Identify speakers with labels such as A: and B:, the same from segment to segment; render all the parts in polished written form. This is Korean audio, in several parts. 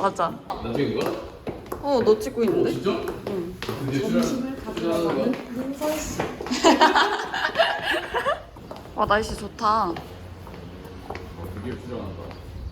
A: 맞아.
B: 나 찍은 거야?
A: 너 찍고 있는데?
B: 진짜?
A: 응.
C: 점심을 가지러 가는 민선 씨.
A: 와, 날씨 좋다.
B: 드디어 출연한다.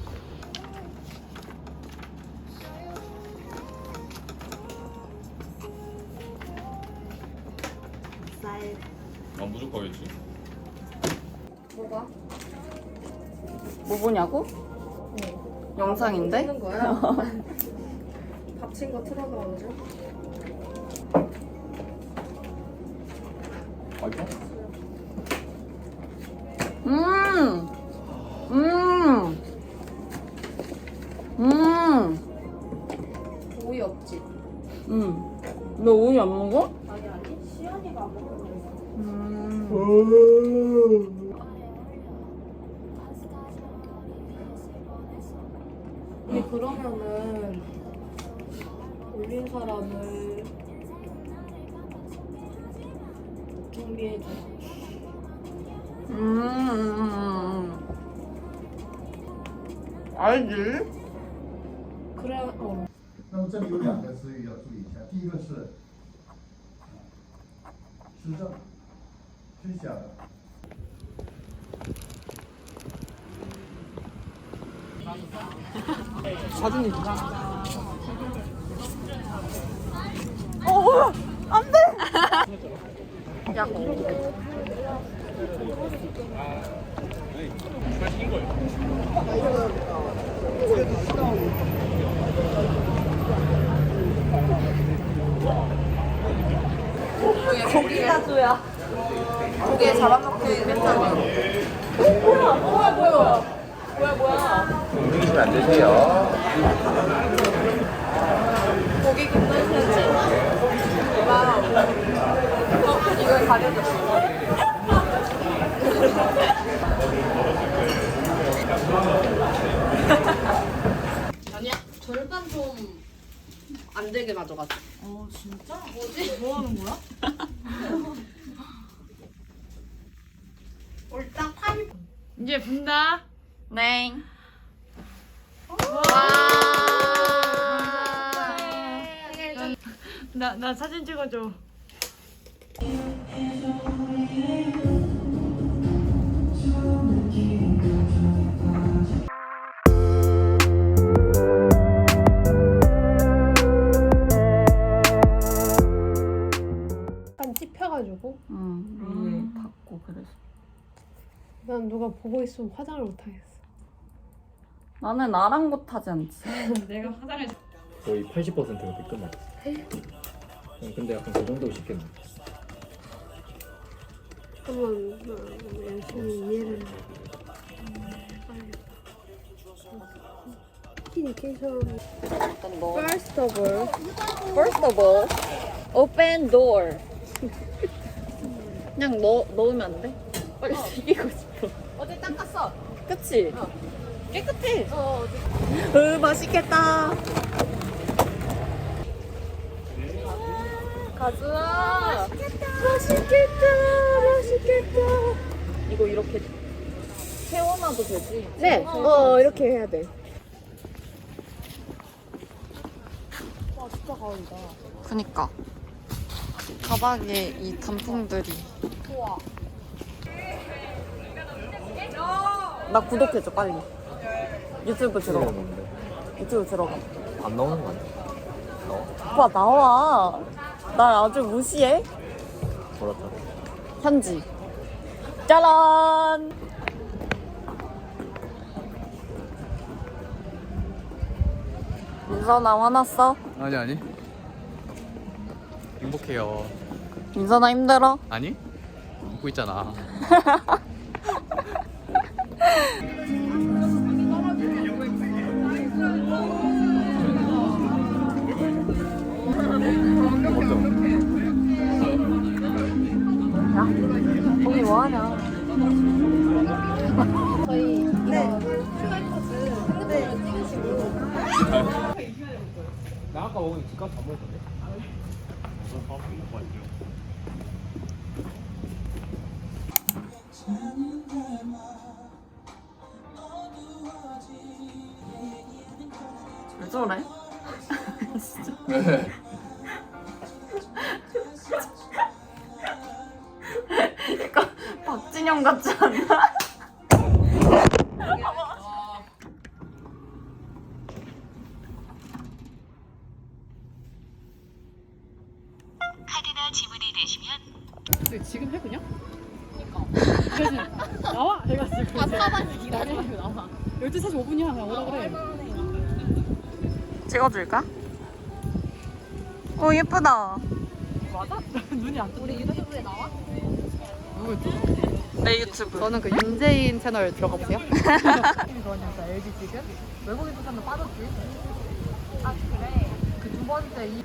C: 쌀.
B: 무조건 있지.
C: 뭐가?
A: 뭐 보냐고? 영상인데?
C: 찍는 거야? 밥친 거 틀어가지고.
B: 맛있어?
A: 음! 음! 음!
C: 오이 없지?
A: 너 오이 안 먹어?
C: 아니 시연이가 안 먹는 거. 근데 그러면은 올린 사람을 준비해줘.
A: 알지?
C: 그래.
D: 那么这里有两个词语要注意一下，第一个是施政，推下的。
A: 사진이 누가? 안 돼! 야, 고기 가주야. 고기에 잡아먹기 괜찮아. 뭐야.
E: 움직이시면 안 되세요.
A: 고기 김선수지. 와우. 이걸 가려줬어.
C: 아니야. 절반 좀 안 되게 가져갔어.
A: 진짜?
C: 뭐지?
A: 뭐 하는 거야?
C: 옳딱 8.
F: 이제 분다.
A: 네.
F: 나 사진 찍어줘.
C: 약간 찝혀가지고
A: 위에 닿고 그래서.
C: 난 누가 보고 있으면 화장을 못 하겠어.
A: 나는 아랑곳하지 않지.
F: 내가 화장을
E: 거의 80%가 끝났어. 근데 약간 그 정도 쉽겠네.
C: 한번 열심히 이해를. 커뮤니케이션.
A: 일단 너.
C: First of all.
A: First of all, open door. 그냥 넣으면 안 돼? 빨리 튀기고 싶어.
C: 어제 닦았어.
A: 그치? 깨끗해. 맛있겠다. 가즈아. 맛있겠다. 이거 이렇게 세워놔도 되지?
C: 네. 이렇게 해야 돼. 와 진짜 가을이다.
A: 그니까. 바닥에 이 단풍들이.
C: 우와.
A: 나 구독해줘 빨리. 유튜브 들어가.
E: 먹는데
A: 유튜브 들어가.
E: 안 나오는 거 아니야?
A: 오빠 나와. 날 아주 무시해.
E: 그렇다.
A: 현지. 짜란. 민선아 화났어?
B: 아니. 행복해요.
A: 민선아 힘들어?
B: 아니? 웃고 있잖아.
A: 거기 뭐하냐?
C: 저희 QR코드 핸드폰으로 찍으시고.
E: 나 아까 먹은 집값 다 먹었던데?
A: 어쩌래?
B: 왜?
A: 약간 박진영 같지 않나?
G: 카드나 지문이 되시면
F: 근데 지금 해 그냥? 그러니까. 나와 해가지고. 나와. 12시 45분이야. 그냥 오라 그래.
A: 찍어줄까? 오 예쁘다.
F: 맞아? 눈이 안 떠. 우리 유튜브에 나와? 누구 유튜브?
A: 내 유튜브.
F: 저는 그 윤재인 채널 들어가 보세요. 그거는 LG 지금 외국인 투자는 빠졌지. 아 그래. 그 두 번째 이.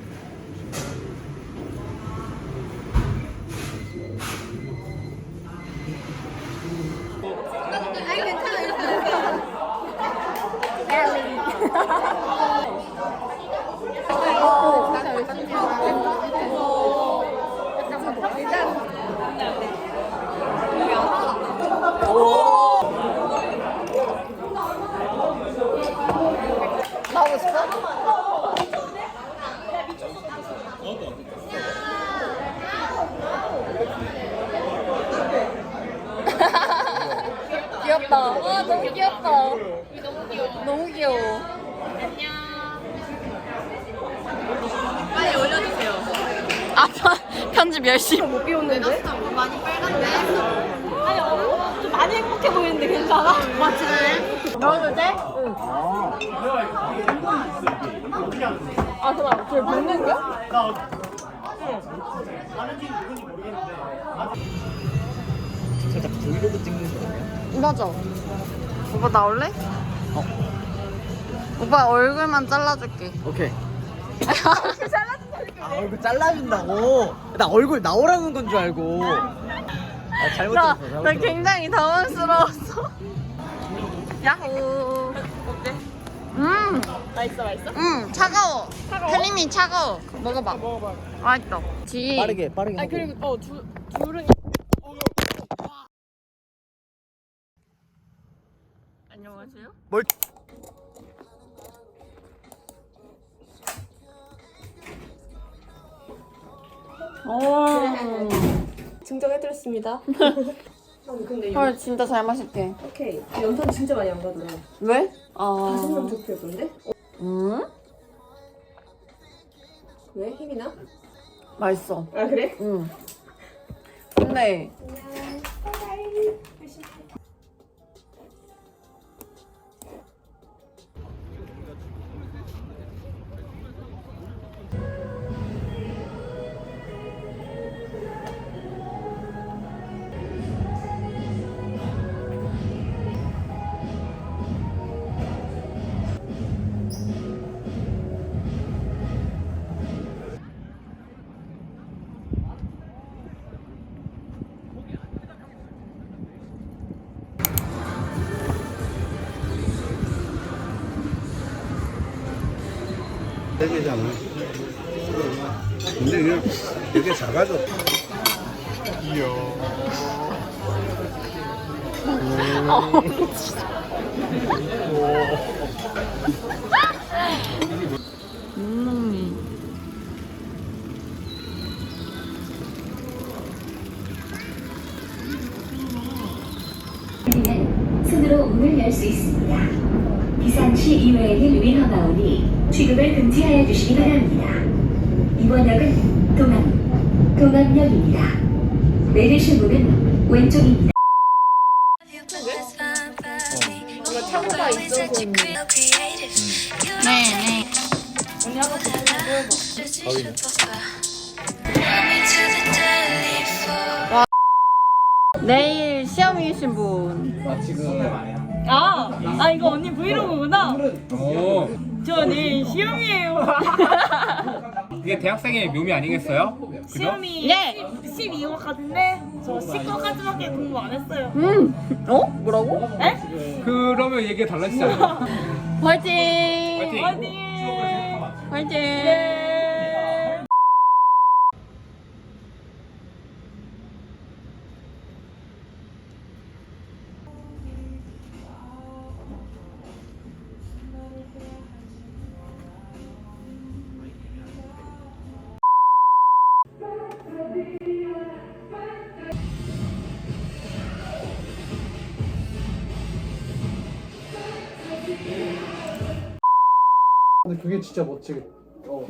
A: 나오고 싶어? 귀엽다. 와 너무 귀엽다. 너무 귀여워. 너무 귀여워.
C: 빨리 올려주세요.
A: 아 편집 열심히.
C: 못 비웠는데? 많이 빨간데? 아니 좀 많이 행복해 보이는데 괜찮아? 맞지?
A: 넣어도 돼? 응. 아 그럼 그걸 볶는 거야?
E: 살짝 브이로그 찍는 거 아니야?
A: 맞아. 오빠 나올래? 오빠 얼굴만 잘라줄게.
H: 오케이. 아, 얼굴 잘라준다고? 나 얼굴 나오라는 건 줄 알고. 아, 잘못
A: 나,
H: 들었어.
A: 나 굉장히 당황스러웠어. 야호. 어때?
C: 맛있어 맛있어?
A: 차가워. 혜림이 차가워. 먹어봐. 맛있다.
H: 빠르게 하고.
F: 아 그리고 둘은
A: 안녕하세요.
H: 뭘?
C: 증정해드렸습니다. 근데 이거
A: 헐 진짜 잘 마실게.
C: 오케이. 연탄 진짜 많이 안 가더라.
A: 왜?
C: 다섯 명
A: 아.
C: 좋게 건데?
A: 음?
C: 왜? 힘이 나?
A: 맛있어.
C: 아 그래?
A: 응. 근데
I: 되잖아. 근데 이게 되게 작아져.
A: 묵묵이.
G: 손으로 문을 열 수 있습니다. 비상시 이외에는 위험하오니 취급을 금지하여 주시기 바랍니다. 이번 역은 동암역입니다. 내리실 문은 왼쪽입니다.
C: 이거 차고가 있어서
A: 네네. 내일 시험이신 분.
E: 아 지금
F: 아 이거 언니 브이로그구나.
E: 오
F: 저 내일 시험이에요.
E: 이게 대학생의 묘미 아니겠어요? 그죠?
F: 시험이
A: 네.
F: 12호 같은데 저 10호까지밖에 공부 안 했어요.
A: 어? 뭐라고?
E: 그러면 얘기 달라지잖아.
A: 화이팅!
E: 화이팅!
A: 화이팅!
J: 그게 진짜 멋지게. 이거.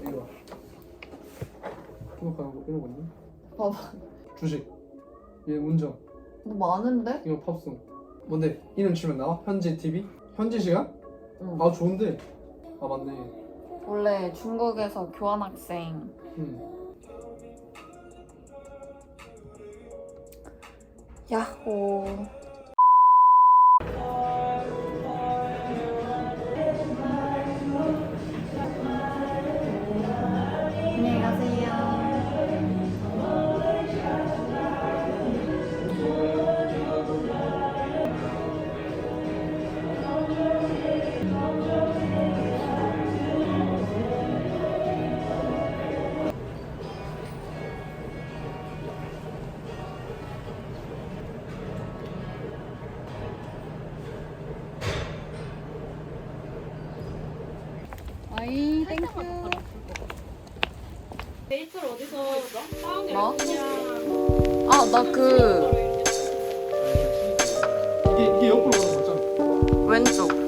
J: 등록하는 거 이런 거 있니?
F: 봐봐.
J: 주식. 얘 운전.
F: 너 많은데?
J: 이거 팝송. 뭔데? 이름 치면 나와? 현지 TV? 현지 시간?
F: 응.
J: 아 좋은데. 아 맞네.
A: 원래 중국에서 교환학생. 야호. 안녕히 가세요. 아이 땡큐.
C: 데이트를 어디서 했어?
A: 뭐? 아 나 그
J: 이게 옆으로 가는 거잖아.
A: 왼쪽.